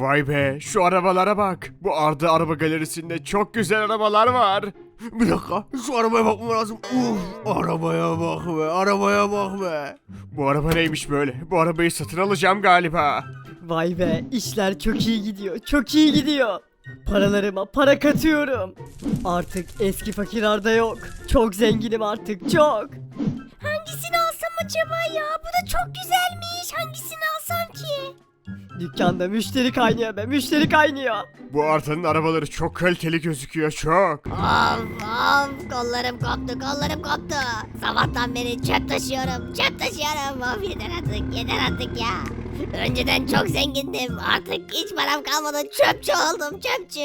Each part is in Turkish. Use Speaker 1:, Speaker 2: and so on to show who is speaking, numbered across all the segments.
Speaker 1: Vay be, şu arabalara bak. Bu Arda Araba Galerisi'nde çok güzel arabalar var.
Speaker 2: Bir dakika, şu arabaya bakmam lazım. Arabaya bak be, arabaya bak be.
Speaker 1: Bu araba neymiş böyle? Bu arabayı satın alacağım galiba.
Speaker 3: Vay be, işler çok iyi gidiyor, çok iyi gidiyor. Paralarıma para katıyorum. Artık eski fakir Arda yok. Çok zenginim artık, çok.
Speaker 4: Hangisini alsam acaba ya? Bu da çok güzelmiş. Hangisini alsam ki?
Speaker 3: Dükkanda müşteri kaynıyor be, müşteri kaynıyor.
Speaker 1: Bu Arda'nın arabaları çok kaliteli gözüküyor, çok.
Speaker 4: Of kollarım koptu kollarım koptu. Sabahtan beri çöp taşıyorum Of yeter artık ya. Önceden çok zengindim artık hiç param kalmadı çöpçü oldum çöpçü.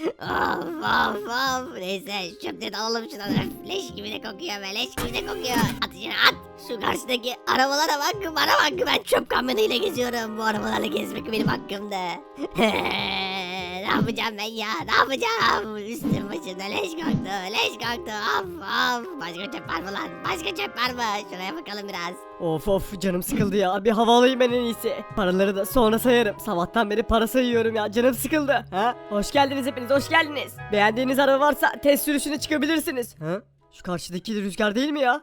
Speaker 4: Of neyse çöpleri de alalım şuradan. Öf, leş gibi de kokuyor be leş gibi de kokuyor. At içine at. Şu karşıdaki arabalara bak bana bak ben çöp kamyonuyla geziyorum. Bu arabalarla gezmek benim hakkımda. Ne yapacağım ben ya ne yapacağım? Üstüm başımda leş koktu of. Başka çöp var mı lan? Başka çöp var mı? Şuraya bakalım biraz.
Speaker 3: Of canım sıkıldı ya, bir hava alayım ben en iyisi. Paraları da sonra sayarım. Sabahtan beri para sayıyorum ya, canım sıkıldı. Ha? Hoş geldiniz hepiniz, hoş geldiniz. Beğendiğiniz araba varsa test sürüşüne çıkabilirsiniz. Ha? Şu karşıdaki de Rüzgar değil mi ya?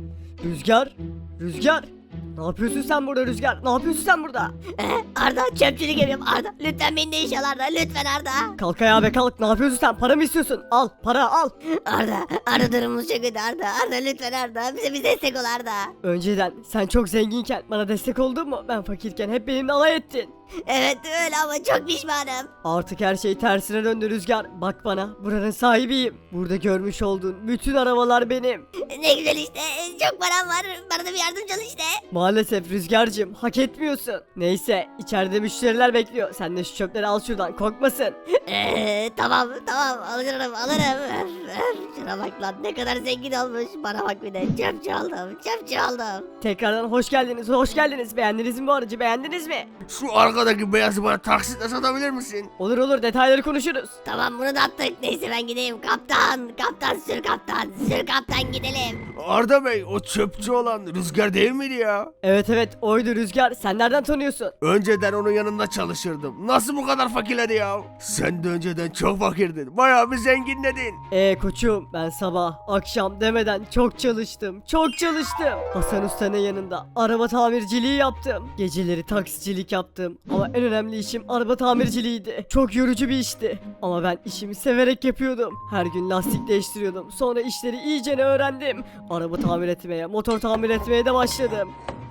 Speaker 3: Rüzgar. Ne yapıyorsun sen burada Rüzgar? Ne yapıyorsun sen burada?
Speaker 4: Arda çöpçülük yapıyorum Arda. Lütfen beni de işe al Arda lütfen Arda.
Speaker 3: Kalk ayağa be kalk. Ne yapıyorsun sen? Para mı istiyorsun? Al para al.
Speaker 4: Arda durumumuz çok kötü Arda lütfen Arda. Bize bir destek ol Arda.
Speaker 3: Önceden sen çok zenginken bana destek oldun mu? Ben fakirken hep benimle alay ettin.
Speaker 4: Evet öyle ama çok pişmanım.
Speaker 3: Artık her şey tersine döndü Rüzgar. Bak bana, buranın sahibiyim. Burada görmüş olduğun bütün arabalar benim.
Speaker 4: Ne güzel işte çok param var. Bana da bir yardımcı ol işte.
Speaker 3: Maalesef Rüzgar'cığım hak etmiyorsun. Neyse içeride müşteriler bekliyor. Sen de şu çöpleri al şuradan, korkmasın.
Speaker 4: Tamam alırım. Şuna bak lan ne kadar zengin olmuş. Bana bak bir de çöpçü oldum.
Speaker 3: Tekrardan hoş geldiniz. Beğendiniz mi bu aracı, beğendiniz mi?
Speaker 2: Şu arkadaki beyazı bana taksitle satabilir misin?
Speaker 3: Olur detayları konuşuruz.
Speaker 4: Tamam bunu da attık. Neyse ben gideyim. Kaptan sür kaptan gidelim.
Speaker 2: Arda Bey, o çöpçü olan Rüzgar değil miydi ya?
Speaker 3: Evet oydu Rüzgar. Sen nereden tanıyorsun?
Speaker 2: Önceden onun yanında çalışırdım. Nasıl bu kadar fakirledi ya? Sen de önceden çok fakirdin. Bayağı bir zenginledin.
Speaker 3: Koçum ben sabah akşam demeden çok çalıştım. Hasan Usta'nın yanında araba tamirciliği yaptım. Geceleri taksicilik yaptım. Ama en önemli işim araba tamirciliğiydi. Çok yorucu bir işti. Ama ben işimi severek yapıyordum. Her gün lastik değiştiriyordum. Sonra işleri iyicene öğrendim. Araba tamir etmeye, motor tamir etmeye de başladım.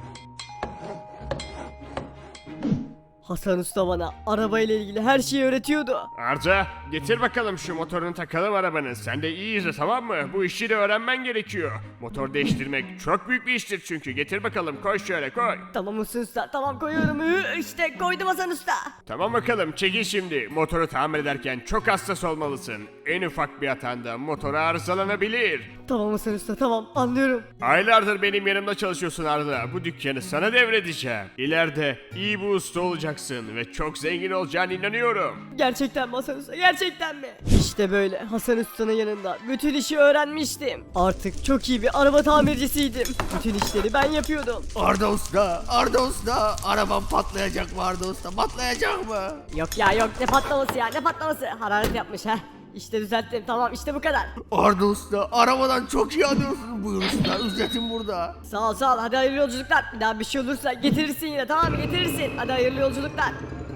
Speaker 3: Hasan Usta bana arabayla ilgili her şeyi öğretiyordu.
Speaker 1: Arda, getir bakalım şu motorunu takalım arabanın. Sen de iyi izle, tamam mı? Bu işi de öğrenmen gerekiyor. Motor değiştirmek çok büyük bir iştir çünkü. Getir bakalım, koy şöyle koy.
Speaker 3: Tamam Hasan Usta, tamam koyuyorum. İşte koydum Hasan Usta.
Speaker 1: Tamam bakalım, çekil şimdi. Motoru tamir ederken çok hassas olmalısın. En ufak bir hatanda motor arızalanabilir.
Speaker 3: Tamam Hasan Usta, tamam anlıyorum.
Speaker 1: Aylardır benim yanımda çalışıyorsun Arda. Bu dükkanı sana devredeceğim. İleride iyi bir usta olacaksın ve çok zengin olacağına inanıyorum.
Speaker 3: Gerçekten mi Hasan Usta, gerçekten mi? İşte böyle Hasan Usta'nın yanında bütün işi öğrenmiştim. Artık çok iyi bir araba tamircisiydim. Bütün işleri ben yapıyordum.
Speaker 2: Arda Usta, arabam patlayacak mı Arda Usta, patlayacak mı?
Speaker 3: Yok ne patlaması hararet yapmış ha. İşte düzelttim, tamam işte bu kadar.
Speaker 2: Arda Usta, arabadan çok iyi anlıyorsun. Buyur usta, ücretim burada.
Speaker 3: Sağ ol hadi hayırlı yolculuklar. Bir daha bir şey olursa getirirsin yine, tamam mı, getirirsin. Hadi hayırlı yolculuklar.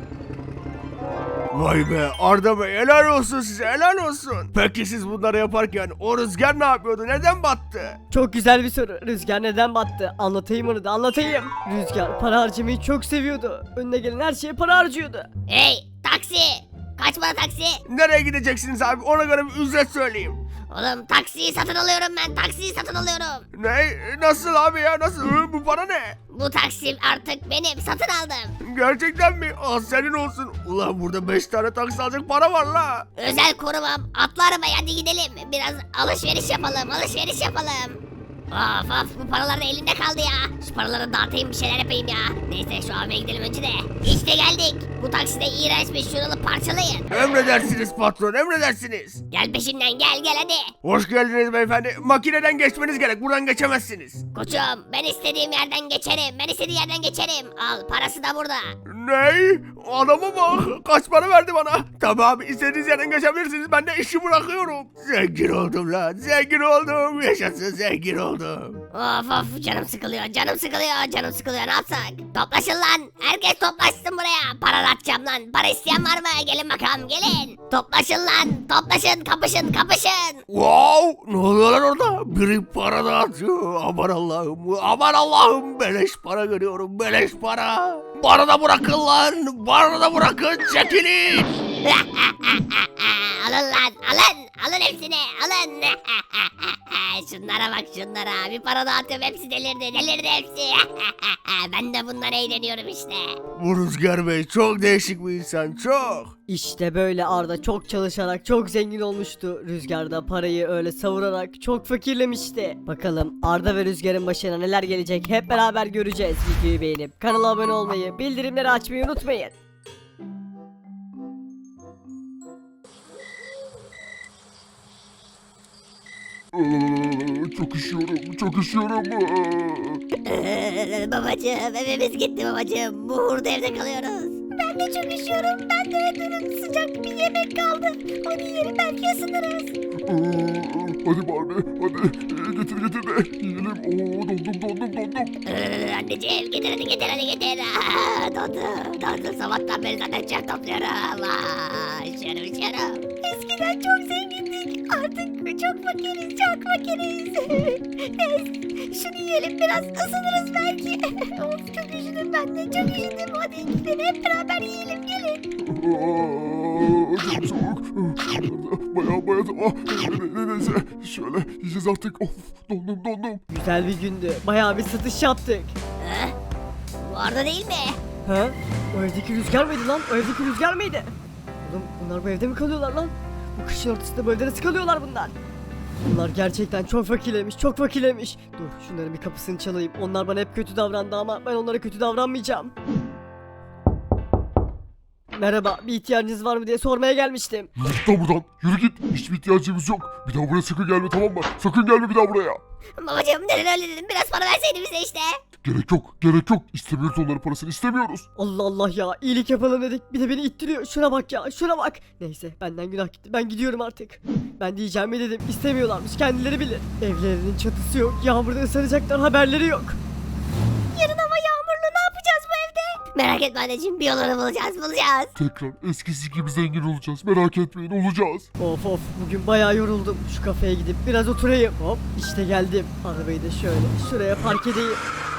Speaker 2: Vay be Arda Bey, helal olsun size, helal olsun. Peki siz bunları yaparken o Rüzgar ne yapıyordu, neden battı?
Speaker 3: Çok güzel bir soru. Rüzgar neden battı? Anlatayım onu da anlatayım. Rüzgar para harcamayı çok seviyordu. Önüne gelen her şeye para harcıyordu.
Speaker 4: Hey taksi. Kaç para taksi?
Speaker 2: Nereye gideceksiniz abi, ona göre bir ücret söyleyeyim.
Speaker 4: Oğlum taksiyi satın alıyorum ben.
Speaker 2: Ne? Nasıl abi ya, nasıl? Bu para ne?
Speaker 4: Bu taksim artık benim. Satın aldım.
Speaker 2: Gerçekten mi? Senin olsun. Ulan burada 5 tane taksi alacak para var la.
Speaker 4: Özel korumam. Atla arabaya hadi gidelim. Biraz alışveriş yapalım. Of of bu paralar da elimde kaldı ya. Şu paraları dağıtayım bir şeyler yapayım ya. Neyse şu AVM'ye gidelim önce de. İşte geldik. Bu taksi de iğrençmiş, şunu alıp parçalayın.
Speaker 2: Emredersiniz patron, emredersiniz.
Speaker 4: Gel peşimden gel hadi.
Speaker 2: Hoş geldiniz beyefendi. Makineden geçmeniz gerek. Buradan geçemezsiniz.
Speaker 4: Koçum ben istediğim yerden geçerim. Ben istediğim yerden geçerim. Al parası da burada.
Speaker 2: Ney? Adama bak. Kaç para verdi bana? Tamam, istediğiniz yerden geçebilirsiniz. Ben de işi bırakıyorum. Zengin oldum lan. Zengin oldum. Yaşasın, zengin oldum.
Speaker 4: Of of canım sıkılıyor ne yapsak? Toplaşın lan, herkes toplaşsın buraya. Para atacağım lan, para isteyen var mı? Gelin bakalım gelin. Toplaşın lan, toplaşın, kapışın.
Speaker 2: Wow! Ne oluyor lan orada? Biri para dağıtıyor. Aman Allah'ım. Beleş para görüyorum. Beleş para. Bana da bırakın lan. Bana da bırakın. Çekilin.
Speaker 4: Alın lan, alın hepsini, alın. Şunlara bak şunlara, bir para dağıtıyorum, hepsi delirdi hepsi. Ben de bundan eğleniyorum işte.
Speaker 2: Bu Rüzgar Bey çok değişik bir insan. Çok.
Speaker 3: İşte böyle Arda çok çalışarak çok zengin olmuştu. Rüzgar da parayı öyle savurarak çok fakirlemişti. Bakalım Arda ve Rüzgar'ın başına neler gelecek hep beraber göreceğiz. Videoyu beğenip kanala abone olmayı, bildirimleri açmayı unutmayın.
Speaker 1: Çok üşüyorum.
Speaker 4: Babacığım evimiz gitti babacığım. Bu hurda evde kalıyoruz. Ben de çok üşüyorum. Ben de durun sıcak bir yemek kaldı. Onu yiyelim belki ısınırız.
Speaker 1: Hadi Barbie, hadi getir de yiyelim. Dondum.
Speaker 4: Anneciğim getir hadi getir. Dondu. Sabahtan beri zaten çöp topluyorum. Üşüyorum. Eskiden çok zengindik. Artık çok fakiriz. Şunu yiyelim biraz ısınırız belki. Of çok üşüdüm ben de çok üşüdüm. Hadi gidelim hep beraber yiyelim gelin.
Speaker 1: Çok soğuk. Bayağı neyse şöyle yiyeceğiz artık. Of dondum.
Speaker 3: Güzel bir gündü. Bayağı bir satış yaptık.
Speaker 4: Bu Arda değil mi?
Speaker 3: Ha? O evdeki Rüzgar mıydı lan? O evdeki Rüzgar mıydı? Oğlum bunlar bu evde mi kalıyorlar lan? Bu kışın ortasında bu evde nasıl kalıyorlar bunlar? Bunlar gerçekten çok fakirlemiş. Dur şunların bir kapısını çalayım. Onlar bana hep kötü davrandı ama ben onlara kötü davranmayacağım. Merhaba, bir ihtiyacınız var mı diye sormaya gelmiştim.
Speaker 1: Git lan buradan. Yürü git. Hiçbir ihtiyacımız yok. Bir daha buraya sakın gelme, tamam mı? Sakın gelme bir daha buraya.
Speaker 4: Babacığım neden öyle dedim? Biraz para verseydin bize işte.
Speaker 1: Gerek yok. İstemiyoruz onların parasını, istemiyoruz.
Speaker 3: Allah Allah ya, iyilik yapalım dedik. Bir de beni ittiriyor. Şuna bak ya, şuna bak. Neyse, benden günah gitti. Ben gidiyorum artık. Ben diyeceğimi dedim. İstemiyorlarmış, kendileri bilir. Evlerinin çatısı yok. Yağmurda ıslanacaklar, haberleri yok.
Speaker 4: Yarın hava yağmurlu ne yapacağız bu evde? Merak etme anneciğim bir yolunu bulacağız.
Speaker 1: Tekrar eskisi gibi zengin olacağız. Merak etmeyin, olacağız.
Speaker 3: Of bugün bayağı yoruldum. Şu kafeye gidip biraz oturayım. Hop işte geldim. Arabayı da şöyle şuraya park edeyim.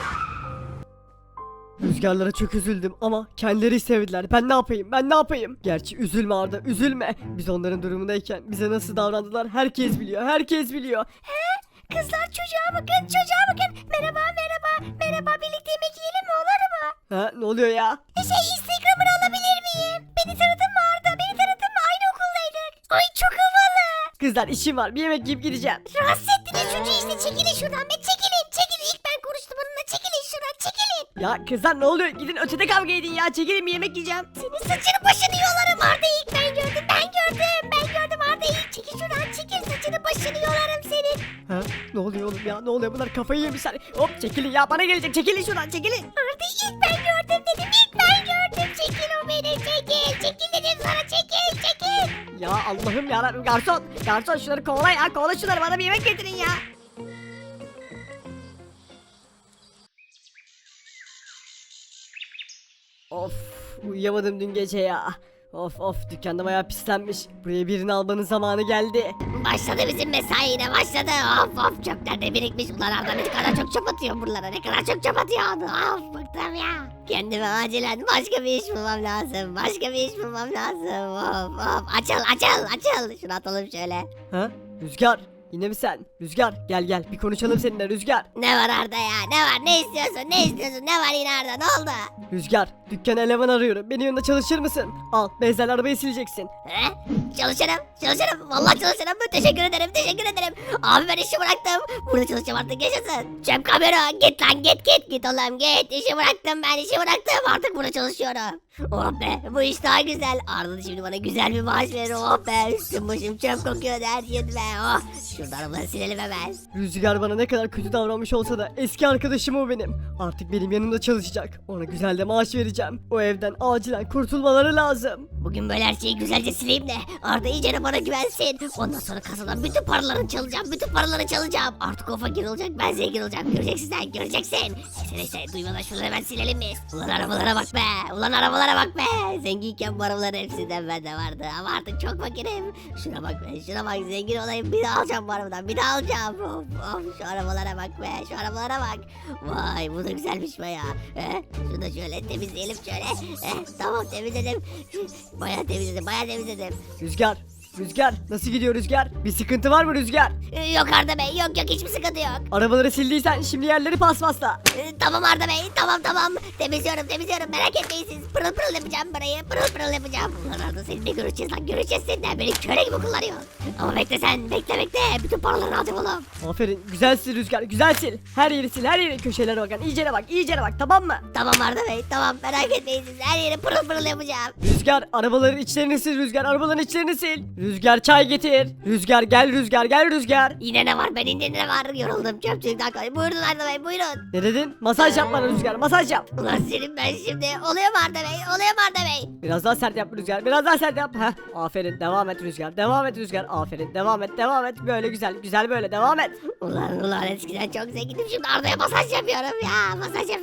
Speaker 3: Rüzgarlara çok üzüldüm ama kendileri sevdiler. Ben ne yapayım? Gerçi üzülme Arda, üzülme. Biz onların durumundayken bize nasıl davrandılar herkes biliyor.
Speaker 4: Kızlar çocuğa bakın. Merhaba birlikte yemek yiyelim mi olur mu?
Speaker 3: Ha ne oluyor ya?
Speaker 4: Instagram'ını alabilir miyim? Beni tanıdın mı Arda? Aynı okuldaydık. Ay çok havalı.
Speaker 3: Kızlar işim var, bir yemek yiyip gideceğim.
Speaker 4: Rahatsız ettiniz çocuğu işte çekilin şuradan be çekilin. İlk ben konuştum onunla çekilin şuradan çekilin.
Speaker 3: Ya kızlar ne oluyor? Gidin ötede kavga edin ya. Çekilin bir yemek yiyeceğim.
Speaker 4: Senin saçını başını yolarım Arda'yı ilk ben gördüm Arda'yı. Çekil şuradan çekil saçını başını yolarım senin.
Speaker 3: Ha ne oluyor oğlum ya? Ne oluyor? Bunlar kafayı yemişler. Hop çekilin ya, bana gelecek. Çekilin şuradan, çekilin.
Speaker 4: Arda'yı ilk ben gördüm dedim çekil o beni çekil dedim sana çekil.
Speaker 3: Ya Allah'ım yarabbim, garson şunları kovala ya, kovala şunları, bana bir yemek getirin ya. Of uyuyamadım dün gece ya. Of dükkanda bayağı pislenmiş. Buraya birini almanın zamanı geldi.
Speaker 4: Başladı bizim mesai yine başladı. Of çöpler de birikmiş. Ulan Arda ne kadar çok çöp atıyor buralara. Of bıktım ya. Kendime acilen başka bir iş bulmam lazım. Of açıl. Şunu atalım şöyle.
Speaker 3: Ha Rüzgar, yine mi sen? Rüzgar gel bir konuşalım seninle Rüzgar.
Speaker 4: Ne var Arda ya? Ne var? Ne istiyorsun? Ne var yine Arda? Ne oldu?
Speaker 3: Rüzgar dükkana eleman arıyorum. Benim yanında çalışır mısın? Al bezlerle arabayı sileceksin.
Speaker 4: He? Çalışırım. Vallahi çalışırım. Teşekkür ederim. Abi ben işi bıraktım. Burada çalışacağım artık, yaşasın. Çöp kamera git lan git oğlum git. İşi bıraktım, artık burada çalışıyorum. Oh be, bu iş daha güzel. Ardından şimdi bana güzel bir maaş verir. Oh be, üstüm başım çöp kokuyor her yerim be. Oh, şurada arabaları silelim hemen.
Speaker 3: Rüzgar bana ne kadar kötü davranmış olsa da eski arkadaşım o benim. Artık benim yanımda çalışacak. Ona güzel de maaş vereceğim. O evden acilen kurtulmaları lazım.
Speaker 4: Bugün böyle her şeyi güzelce sileyim de Arda iyice bana güvensin. Ondan sonra kasadan bütün paralarını çalacağım. Artık o fakir olacak, ben zengin olacağım. Göreceksin sen, göreceksin. Neyse duymadan şunu hemen silelim biz. Ulan arabalara bak be. Zenginken bu arabaların hepsinden bende vardı. Ama artık çok fakirim. Şuna bak zengin olayım. Bir daha alacağım bu arabadan, Of, şu arabalara bak. Vay, bu da güzelmiş baya. Şunu da şöyle temizleyelim şöyle. Tamam, temizledim. Bayağı temizledim.
Speaker 3: Rüzgar nasıl gidiyor Rüzgar? Bir sıkıntı var mı Rüzgar?
Speaker 4: Yok Arda Bey, yok hiçbir sıkıntı yok.
Speaker 3: Arabaları sildiysen şimdi yerleri paspasla.
Speaker 4: Tamam Arda Bey, tamam. Temizliyorum. Merak etmeyin siz. Pırıl yapacağım burayı. Pırıl yapacağım. Ulan Arda, seninle göreceğiz seninle. Beni köle gibi kullanıyor. Ama bekle sen, bekle. Bütün paralarını alacağım oğlum.
Speaker 3: Aferin, güzel sil Rüzgar, güzel sil. Her yeri sil, her yeri, köşelere bakın. İyicene bak, tamam mı?
Speaker 4: Tamam Arda Bey, tamam. Merak etmeyin siz. Her yeri pırıl yapacağım.
Speaker 3: Rüzgar, arabaların içlerini sil Rüzgar, arabaların içlerini sil. Rüzgar çay getir. Rüzgar gel Rüzgar.
Speaker 4: Yine ne var? Bende ne var? Yoruldum çöpçülükten kalmayı. Buyurun Arda Bey, buyurun.
Speaker 3: Ne dedin? Masaj yap bana Rüzgar, masaj yap.
Speaker 4: Ulan senin ben şimdi. Oluyor mu Arda Bey?
Speaker 3: Biraz daha sert yap Rüzgar, biraz daha sert yap. Heh, aferin, devam et Rüzgar. Aferin, devam et. Böyle güzel böyle devam et.
Speaker 4: Ulan eskiden çok zengindim. Şimdi Arda'ya masaj yapıyorum ya.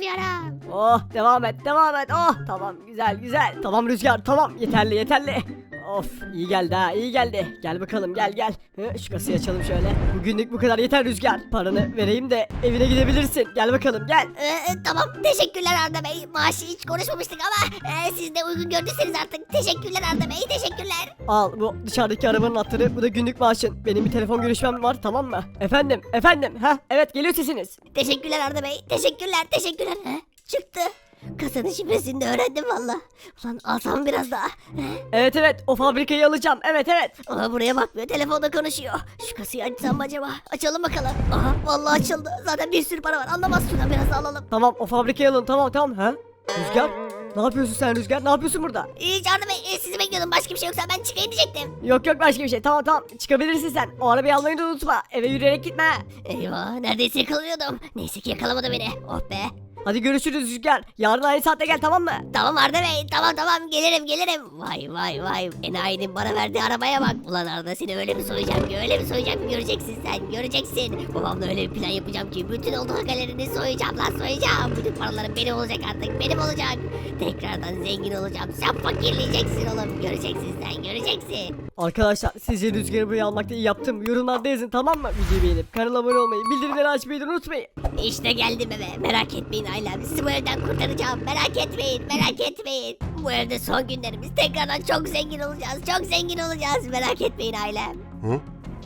Speaker 3: Oh, devam et. Oh, tamam, güzel. Tamam Rüzgar, tamam. Yeterli. Of, iyi geldi. Gel bakalım, gel. Şu kasayı açalım şöyle. Bugünlük bu kadar yeter Rüzgar. Paranı vereyim de evine gidebilirsin. Gel bakalım, gel.
Speaker 4: Tamam, teşekkürler Arda Bey. Maaşı hiç konuşmamıştık ama siz de uygun gördüyseniz artık. Teşekkürler Arda Bey, teşekkürler.
Speaker 3: Al, bu dışarıdaki arabanın anahtarı, bu da günlük maaşın. Benim bir telefon görüşmem var, tamam mı? Efendim. Evet, geliyor sesiniz.
Speaker 4: Teşekkürler Arda Bey, teşekkürler. Çıktı. Kasanın şifresini de öğrendim valla. Ulan alsam biraz daha.
Speaker 3: Evet, o fabrikayı alacağım. Evet.
Speaker 4: Ama buraya bakmıyor, telefonda konuşuyor. Şu kasayı açsam mı acaba? Açalım bakalım. Aha, vallahi açıldı. Zaten bir sürü para var. Anlamaz, şuradan biraz daha alalım.
Speaker 3: Tamam, o fabrikayı alın, tamam. Rüzgar, ne yapıyorsun sen Rüzgar? Ne yapıyorsun burada?
Speaker 4: Hiç Arda Bey, sizi bekliyordum. Başka bir şey yoksa ben çıkayım diyecektim.
Speaker 3: Yok başka bir şey. Tamam. Çıkabilirsin sen. O arabayı almayı da unutma. Eve yürüyerek gitme.
Speaker 4: Eyvah, neredeyse yakalanıyordum. Neyse ki yakalamadı beni. Oh be.
Speaker 3: Hadi görüşürüz Rüzgar. Yarın aynı saatte gel, tamam mı?
Speaker 4: Tamam Arda Bey, tamam gelirim. Vay. Enayinin bana verdiği arabaya bak. Ulan Arda, seni öyle mi soyacağım ki göreceksin sen, göreceksin. Babamla öyle bir plan yapacağım ki bütün olduğu galerini soyacağım. Bütün paralarım benim olacak artık, benim olacak. Tekrardan zengin olacağım. Sen fakirleyeceksin oğlum, göreceksin.
Speaker 3: Arkadaşlar, sizce Rüzgar'ı buraya almakta iyi yaptım. Yorumlarda yazın, tamam mı? Videoyu beğenip kanala abone olmayı, bildirimleri açmayı da unutmayın.
Speaker 4: İşte geldim eve, merak etmeyin ailem. Sizi bu evden kurtaracağım, merak etmeyin. Bu evde son günlerimiz, tekrardan çok zengin olacağız. Merak etmeyin ailem.
Speaker 5: Ha?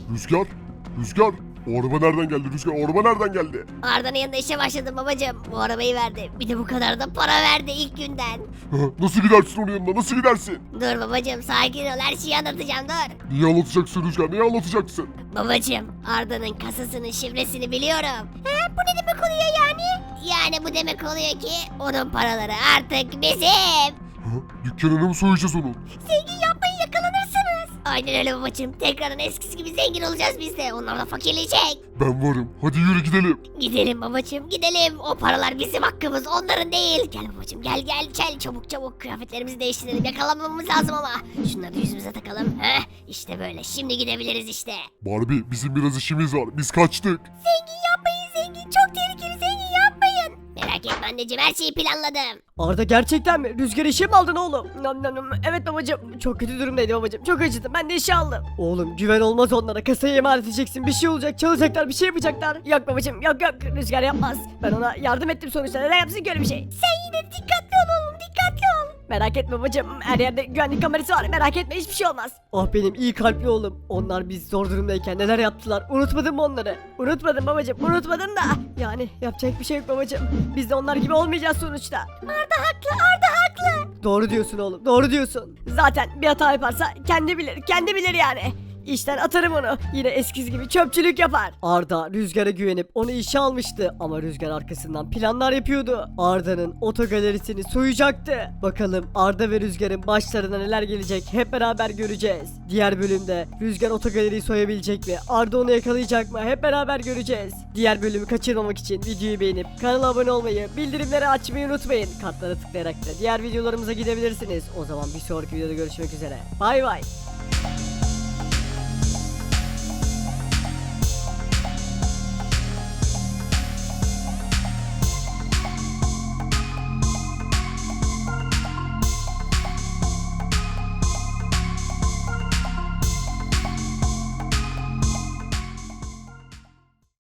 Speaker 5: Rüzgar. O araba nereden geldi Rüzgar? O araba nereden geldi?
Speaker 4: Arda'nın yanında işe başladım babacığım. Bu arabayı verdi. Bir de bu kadar da para verdi ilk günden.
Speaker 5: Ha, nasıl gidersin onun yanına? Nasıl gidersin?
Speaker 4: Dur babacığım, sakin ol, her şeyi anlatacağım, dur.
Speaker 5: Niye anlatacaksın Rüzgar? Niye anlatacaksın?
Speaker 4: Babacığım, Arda'nın kasasının şifresini biliyorum. Bu ne demek oluyor yani? Yani bu demek oluyor ki onun paraları artık bizim.
Speaker 5: Ha, dükkanını mı soyacağız onun?
Speaker 4: Zengin yapmayın, yakalanırsınız. Aynen öyle babacığım. Tekrardan eskisi gibi zengin olacağız biz de. Onlar da fakirleyecek.
Speaker 5: Ben varım. Hadi yürü gidelim.
Speaker 4: Gidelim babacığım, gidelim. O paralar bizim hakkımız, onların değil. Gel babacığım, gel çabuk. Kıyafetlerimizi değiştirelim. Yakalanmamamız lazım ama. Şunları da yüzümüze takalım. İşte böyle. Şimdi gidebiliriz işte.
Speaker 5: Barbie, bizim biraz işimiz var. Biz kaçtık.
Speaker 4: Zengin yapmayın. Çok tehlikeli, zengin yapmayın. Merak etme anneciğim, her şeyi planladım.
Speaker 3: Arda, gerçekten mi? Rüzgar işe mi aldın oğlum? Evet babacığım. Çok kötü durumdaydı babacığım. Çok acıdım. Ben de işe aldım. Oğlum, güven olmaz onlara. Kasayı emanet edeceksin. Bir şey olacak. Çalacaklar. Bir şey yapacaklar. Yok babacığım. Yok. Rüzgar yapmaz. Ben ona yardım ettim sonuçta. Neden yapsın ki öyle bir şey?
Speaker 4: Sen yine dikkatli ol oğlum, dikkatli ol.
Speaker 6: Merak etme babacım, her yerde güvenlik kamerası var, merak etme, hiçbir şey olmaz.
Speaker 3: Ah benim iyi kalpli oğlum. Onlar biz zor durumdayken neler yaptılar. Unutmadın mı onları?
Speaker 6: Unutmadım babacım, unutmadım da. Yani yapacak bir şey yok babacım. Biz de onlar gibi olmayacağız sonuçta. Arda haklı, Arda haklı.
Speaker 3: Doğru diyorsun oğlum. Doğru diyorsun.
Speaker 6: Zaten bir hata yaparsa kendi bilir yani. İşten atarım onu. Yine eskisi gibi çöpçülük yapar.
Speaker 3: Arda Rüzgar'a güvenip onu işe almıştı ama Rüzgar arkasından planlar yapıyordu. Arda'nın otogalerisini soyacaktı. Bakalım Arda ve Rüzgar'ın başlarına neler gelecek hep beraber göreceğiz. Diğer bölümde Rüzgar otogaleriyi soyabilecek mi? Arda onu yakalayacak mı? Hep beraber göreceğiz. Diğer bölümü kaçırmamak için videoyu beğenip kanala abone olmayı, bildirimleri açmayı unutmayın. Kartlara tıklayarak da diğer videolarımıza gidebilirsiniz. O zaman bir sonraki videoda görüşmek üzere. Bay bay.